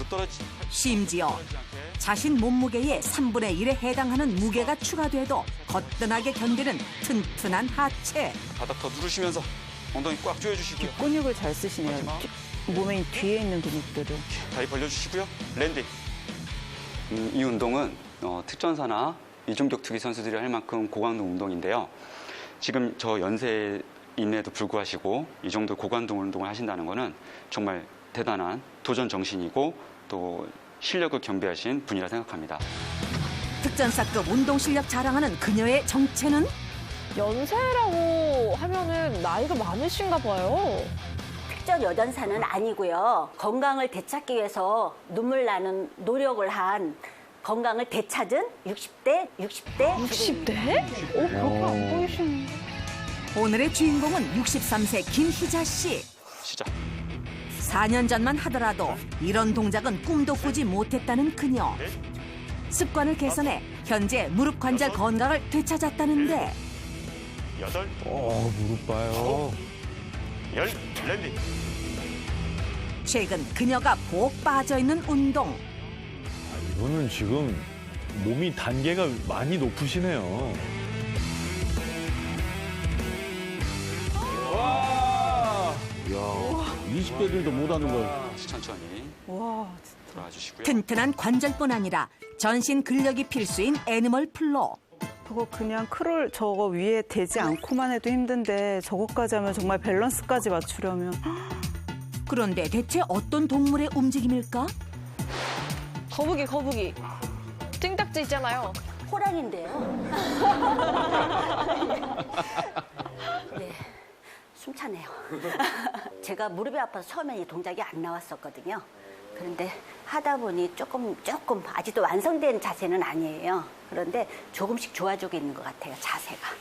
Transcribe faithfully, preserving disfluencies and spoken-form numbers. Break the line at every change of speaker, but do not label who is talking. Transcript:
떨어지.
심지어 자신 몸무게의 삼분의 일에 해당하는 무게가 추가돼도 거뜬하게 견디는 튼튼한 하체.
바닥 더 누르시면서 엉덩이 꽉 조여주시고요.
근육을 잘 쓰시네요.
마지막.
뒤- 몸에 뒤에 있는 근육들을.
다리 벌려주시고요. 랜딩. 음, 이 운동은 어, 특전사나 이중격투기 선수들이 할 만큼 고강도 운동인데요. 지금 저 연세임에도 불구하시고 이 정도 고강도 운동을 하신다는 거는 정말 대단한 도전 정신이고 또 실력을 겸비하신 분이라 생각합니다.
특전사급 운동 실력 자랑하는 그녀의 정체는
연세라고 하면은 나이가 많으신가 봐요.
특전 여전사는 아니고요. 건강을 되찾기 위해서 눈물 나는 노력을 한 건강을 되찾은 육십 대, 육십 대
육십 대? 어, 그렇게 안 보이시는데.
오늘의 주인공은 육십삼 세 김희자 씨.
시작.
사 년 전만 하더라도 이런 동작은 꿈도 꾸지 못했다는 그녀. 습관을 개선해 현재 무릎 관절 건강을 되찾았다는데
여덟,
어, 무릎 봐요.
열, 랜딩.
최근 그녀가 복 빠져있는 운동.
이거는 지금 몸이 단계가 많이 높으시네요. 와! 야, 이십 대들도 못하는 걸.
천천히
와,
돌아와 주시고요.
튼튼한 관절뿐 아니라 전신 근력이 필수인 애니멀 플로.
그거 그냥 크롤 저거 위에 대지 않고만 해도 힘든데 저것까지 하면 정말 밸런스까지 맞추려면
그런데 대체 어떤 동물의 움직임일까?
거북이, 거북이. 등딱지 있잖아요.
호랑인데요. 네, 숨차네요. 제가 무릎이 아파서 처음에 이 동작이 안 나왔었거든요. 그런데 하다 보니 조금 조금 아직도 완성된 자세는 아니에요. 그런데 조금씩 좋아지고 있는 것 같아요, 자세가.